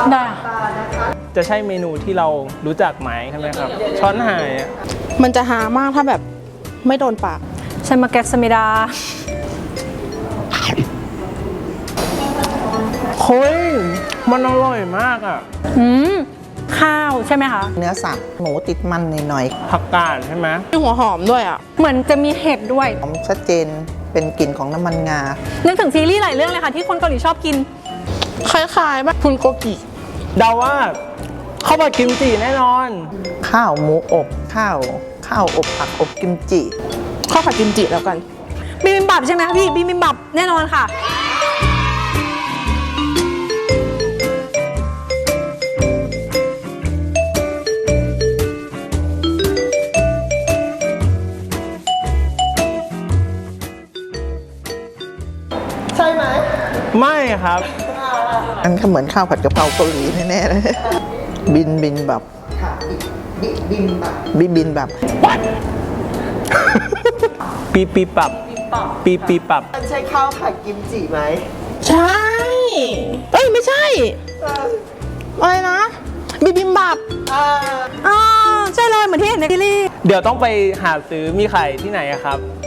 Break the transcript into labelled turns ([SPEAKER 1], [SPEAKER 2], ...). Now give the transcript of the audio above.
[SPEAKER 1] ได้
[SPEAKER 2] จะใช่เมนูที่เรารู้จักไหมใช่ไหมครับ ช้อนหายอะ
[SPEAKER 3] มันจะหามากถ้าแบบไม่โดนปาก
[SPEAKER 1] ใช่มาแกสมิดา
[SPEAKER 2] เฮ้ยมันอร่อยมากอ่ะ
[SPEAKER 1] ข้าวใช่ไหมคะ
[SPEAKER 4] เนื้อสับหมูติดมันหน่อย
[SPEAKER 2] ผักกาดใช่ไหม
[SPEAKER 3] มีหัวหอมด้วยอ่ะ
[SPEAKER 1] เหมือนจะมีเห็ดด้วย
[SPEAKER 4] ๆหอมชัดเจนเป็นกลิ่นของน้ำมันงา
[SPEAKER 1] นึกถึงซีรีส์หลายเรื่องเลยค่ะที่คนเกาหลีชอบกิน
[SPEAKER 3] คล้ายๆแบบพุนโกกิ
[SPEAKER 2] เดาว่าข้าวผัดกิมจิแน่นอน
[SPEAKER 4] ข้าวหมูอบข้าวอบผักอบกิมจิ
[SPEAKER 3] ข้าวผัดกิมจิแล้วกัน
[SPEAKER 1] บิบิมบับใช่ไหมคะพี่บิบิมบับแน่นอนค่ะ
[SPEAKER 2] ไม่ครับ
[SPEAKER 4] อันก็เหมือนข้าวผัดกะเพราเกาหลีแน่ๆเลยบินแบบบินแบบ
[SPEAKER 2] ปีปีปรับปีปีปรับ
[SPEAKER 5] มันใช่ข้าวผัดกิมจิไหม
[SPEAKER 3] ใช่ เอ้ยไม่ใช่ อะไรนะ บิบิมบับ
[SPEAKER 1] อ๋อ ใช่เลยเหมือนที่เห็นในซีรีส์
[SPEAKER 2] เดี๋ยวต้องไปหาซื้อมีขายที่ไหนอะครับ